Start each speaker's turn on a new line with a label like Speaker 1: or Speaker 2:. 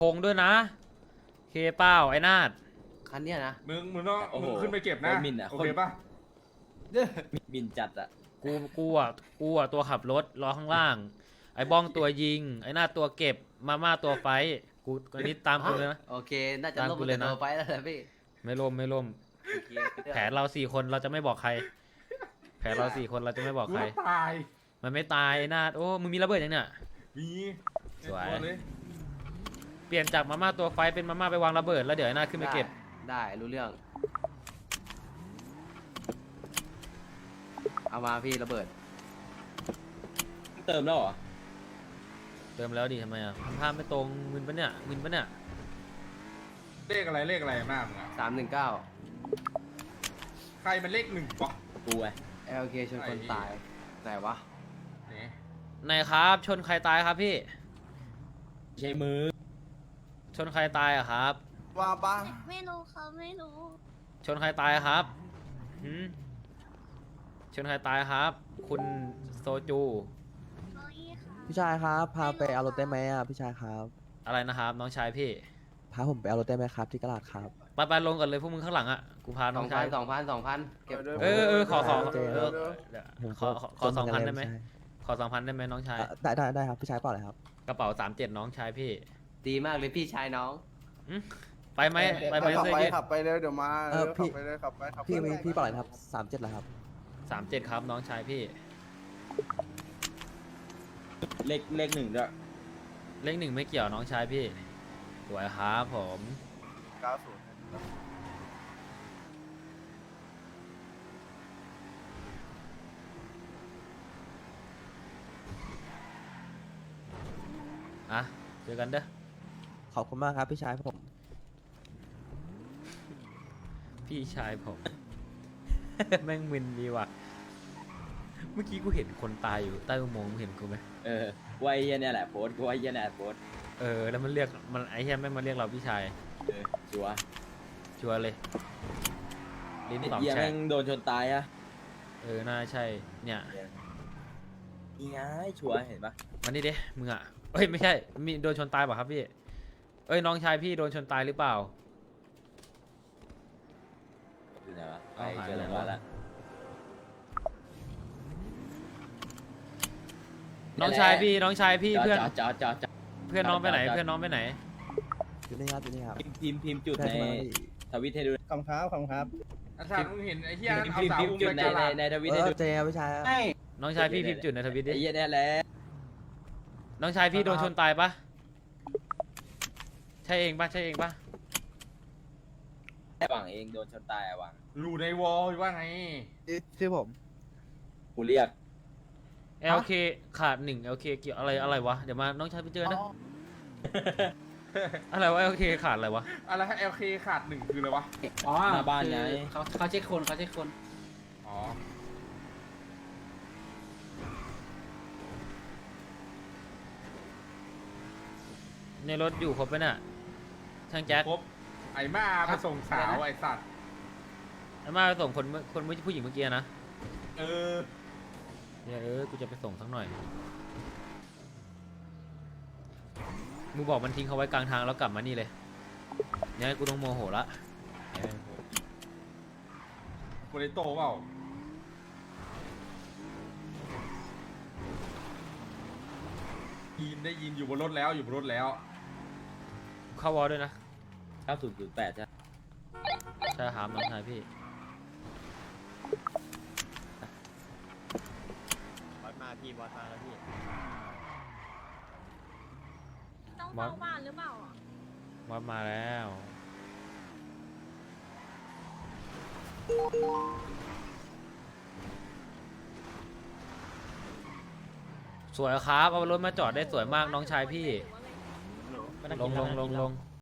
Speaker 1: พงด้วยนะเคเป้าไอ้นาด
Speaker 2: คันเนี้ยนะ
Speaker 3: มึงต้อง
Speaker 4: โอ้โห
Speaker 3: มึงขึ้นไปเก็บนะ
Speaker 4: โคตรหมิ่นอะ
Speaker 3: โอเคปะ
Speaker 4: มินจัดอะ
Speaker 1: กูตัวขับรถล้อข้างล่าง ไอ้บ้องตัวยิง ไอ้นาดตัวเก็บมาม่าตัวไฟกูอันนี้ตามกูเลยนะ
Speaker 2: โอเคน่าจะ
Speaker 1: ตาม
Speaker 2: ลบ
Speaker 1: กูเลยนะ
Speaker 2: ตัวไปแล้วแหละพี่
Speaker 1: ไม่ล่ม
Speaker 2: โอเค
Speaker 1: แผนเรา4 คนเราจะไม่บอกใคร แผนเรา4 คนเราจะไม่บอก
Speaker 3: กู
Speaker 1: ใคร
Speaker 3: ต้องตาย
Speaker 1: มันไม่ตายไอ้นาดโอ้มึงมีระเบิดยังเนี่ย
Speaker 3: มี
Speaker 1: สวย
Speaker 3: ในตัเลย
Speaker 1: เปลี่ยนจากมาม่าตัวไฟเป็นมาม่าไปวางระเบิดแล้วเดี๋ยวไอ้นาดขึ้นไปเก็บ
Speaker 2: ได้รู้เรื่อง เอามาพี่ระเบิด
Speaker 4: เติมแล้วเหรอ
Speaker 1: เติมแล้วดิทำไมอ่ะทำภาพไม่ตรงมึนปะเนี่ย
Speaker 3: เลขอะไรมากมึงอะ
Speaker 2: 319
Speaker 3: ใครมันเลขหนึ่งวะ
Speaker 4: กูไง
Speaker 2: LK ชนคนตายไหนวะ
Speaker 3: เนี่ย
Speaker 1: ไหนครับชนใครตายครับพี่
Speaker 4: ใช้มือ
Speaker 1: ชนใครตายอะครับ
Speaker 5: ว่าบ้าง
Speaker 6: ไม่รู้เขาไม่รู้
Speaker 1: ชนใครตายครับหืมชนใครตายครับ คุณโซจู
Speaker 6: น้องอีค่ะ
Speaker 5: พี่ชายครับพาไปเอารถได้ไหมอ่ะพี่ชายครับ
Speaker 1: อะไรนะครับ น้องชายพี่
Speaker 5: พาผมไปเอารถได้ไหมครับที่ตลาดครับ
Speaker 1: ไปลงก่อนเลยพวกมึงข้างหลังอ่ะกูพาน้องชาย
Speaker 2: 2,000เก็บ
Speaker 1: ขอ
Speaker 5: เจอ
Speaker 1: ขอ2,000ได้ไหมขอ2,000ได้ไหมน้องชาย
Speaker 5: ได้ครับพี่ชายเปล่าเลยครับ
Speaker 1: กระเป๋า37น้องชายพี่
Speaker 2: ดีมากเลยพี่ชายน้อง
Speaker 1: ไปไหมไปไหม
Speaker 7: ขับ
Speaker 1: เสื้อ
Speaker 7: ไป
Speaker 1: ยืด
Speaker 7: ขับไปเลยเดี๋ยวมา
Speaker 5: พี่
Speaker 7: ขับไปเลยขับไปขับไป
Speaker 5: พี่เปล่าเลยครับ37เหรอครับ
Speaker 1: 37ครับน้องชายพี่
Speaker 4: เลขหนึ่งด้วย
Speaker 1: เลข1ไม่เกี่ยวน้องชายพี่สวยครับผม
Speaker 7: 90
Speaker 1: อ่ะเจอกันเด้อ
Speaker 5: ขอบคุณมากครับพี่ชายผม
Speaker 1: พี่ชายผม แม่งมึนดีว่ะ เมื่อกี้กูเห็นคนตายอยู่ใต้อุโมงค์มึงเห็นกูไหม
Speaker 4: ไว้เหี้ยเนี่ยแหละโพสต์กูไว้เหี้ยเนี่ยโพสต์
Speaker 1: แล้วมันเรียกมันไอ้เหี้ยแม่งมาเรียกเราพี่ชาย
Speaker 4: ชัวร์
Speaker 1: ชัวร์เลยลิ้นตอบ
Speaker 4: เหี้ย
Speaker 1: แฉ
Speaker 4: แม่
Speaker 1: ก
Speaker 4: งโดนชนตายอะ
Speaker 1: น่าใช่ เนี่ย
Speaker 4: นี่ไงชัวร์เห็นปะ
Speaker 1: วันนี้เด้มึงอ่ะเอ้ยไม่ใช่ มีโดนชนตายเปล่ะครับพี่ เอ้ยน้องชายพี่โดนชนตายหรือเปล่า
Speaker 4: อยู่ไหนวะไป
Speaker 1: เอาหาย
Speaker 4: เจอ
Speaker 1: แล้
Speaker 4: แล้ว วละ
Speaker 1: น้องชายพี่เพื่อน
Speaker 4: จอด
Speaker 1: เพื่อนน้องไปไหนเพื่อนน้องไปไหน
Speaker 5: อยู่นี่ครับอยู่นี่ครับ
Speaker 4: พิมพ์จุด
Speaker 5: ได้
Speaker 4: ใน
Speaker 5: มาดิ
Speaker 4: ทวิตให้ดู
Speaker 7: ขอบครับขอบครับ
Speaker 3: อาจารย์มึงเห็นไอ้เหี้ย
Speaker 4: พิม
Speaker 3: เอา
Speaker 4: พ์
Speaker 3: สาว
Speaker 4: พิมพ์
Speaker 3: อุ้ม
Speaker 4: จุด
Speaker 3: ไป
Speaker 4: ใน
Speaker 3: กาลาด
Speaker 4: ในทวิตให้ดู
Speaker 5: เจครับพี่ชายครับ
Speaker 1: น้องชายพี่พิมพ์จุดในทวิตดิ
Speaker 4: ไอ้เหี้ยเนี่ยแหละ
Speaker 1: น้องชายพี่โดนชนตายปะใช่เองปะ
Speaker 4: หวังเองโดนชนตายอะหวัง
Speaker 3: รูในวอลว่าไง
Speaker 7: ชื่อผม
Speaker 4: กูเรียก
Speaker 1: LK ขาด1 LK เกี่ยวอะไรวะเดี๋ยวมาน้องชายไปเจอนะอะไรวะ LK ขาดอะไรวะ
Speaker 3: อะไรฮะ LK ขาดหนึ่งคืออะไรวะ
Speaker 2: อ๋อ
Speaker 4: หน้าบ้านไง
Speaker 2: เขาเช็คคนเขาเช็คคน
Speaker 3: อ๋อ
Speaker 1: ในรถอยู่ครบปะเนี่ยช่างแจ็ค
Speaker 3: ครบไอ้มาไปส่งสาวไอ้สัตว์
Speaker 1: ไอ้มาไปส่งคนผู้หญิงเมื่อกี้นะ
Speaker 3: เออ
Speaker 1: กูจะไปส่งสักหน่อยมึงบอกมันทิ้งเขาไว้กลางทางแล้วกลับมานี่เลยเนี่ยกูต้องโมโหละ
Speaker 3: โมเดโต้เปล่าได้ยินอยู่บนรถแล้วอยู่บนรถแล้ว
Speaker 1: เข้าวอลด้วยนะ
Speaker 4: 9008ใช่
Speaker 1: ใช่ครับน้องชายพี่
Speaker 6: ต้องเฝ้าบ้านหรือเปล่าอ่ะ
Speaker 1: วอลมาแล้ว สวยครับเอารถมาจอดได้สวยมากน้องชายพี่ ลง